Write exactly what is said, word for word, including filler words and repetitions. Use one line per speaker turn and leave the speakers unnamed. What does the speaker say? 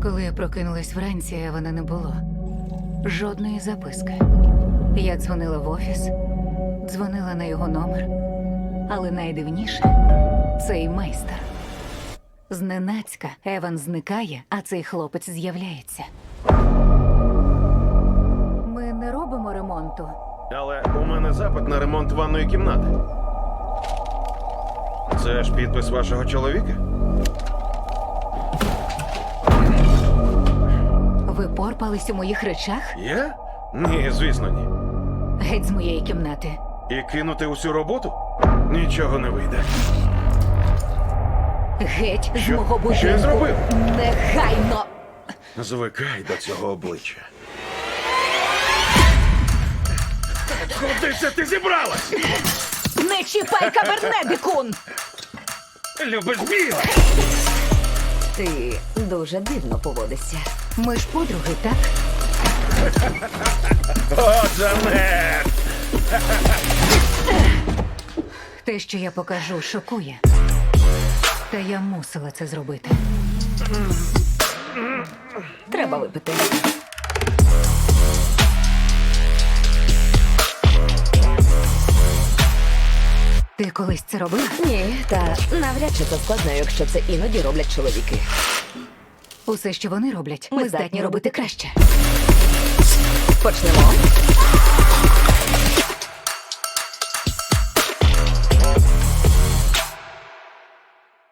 Коли я прокинулась вранці, Евана не було. Жодної записки. Я дзвонила в офіс, дзвонила на його номер. Але найдивніше – цей майстер. Зненацька Еван зникає, а цей хлопець з'являється. Ми не робимо ремонту.
Але у мене запит на ремонт ванної кімнати. Це ж підпис вашого чоловіка?
Ви порпались у моїх речах?
Я? Ні, звісно, ні.
Геть з моєї кімнати.
І кинути усю роботу? Нічого не вийде.
Геть з
Що?
мого будинку.
Що я зробив?
Негайно!
Звикай до цього обличчя. Куди це ти зібралась?
Не чіпай кабернедикун!
Любиш біле?
Ти дуже дивно поводишся.
Ми ж подруги, так?
О, Джанет!
Те, що я покажу, шокує. Та я мусила це зробити.
Треба випити.
Ти колись це робила?
Ні, та навряд чи це складно, якщо це іноді роблять чоловіки.
Усе, що вони роблять,
Ми
ми здатні робити краще.
Почнемо.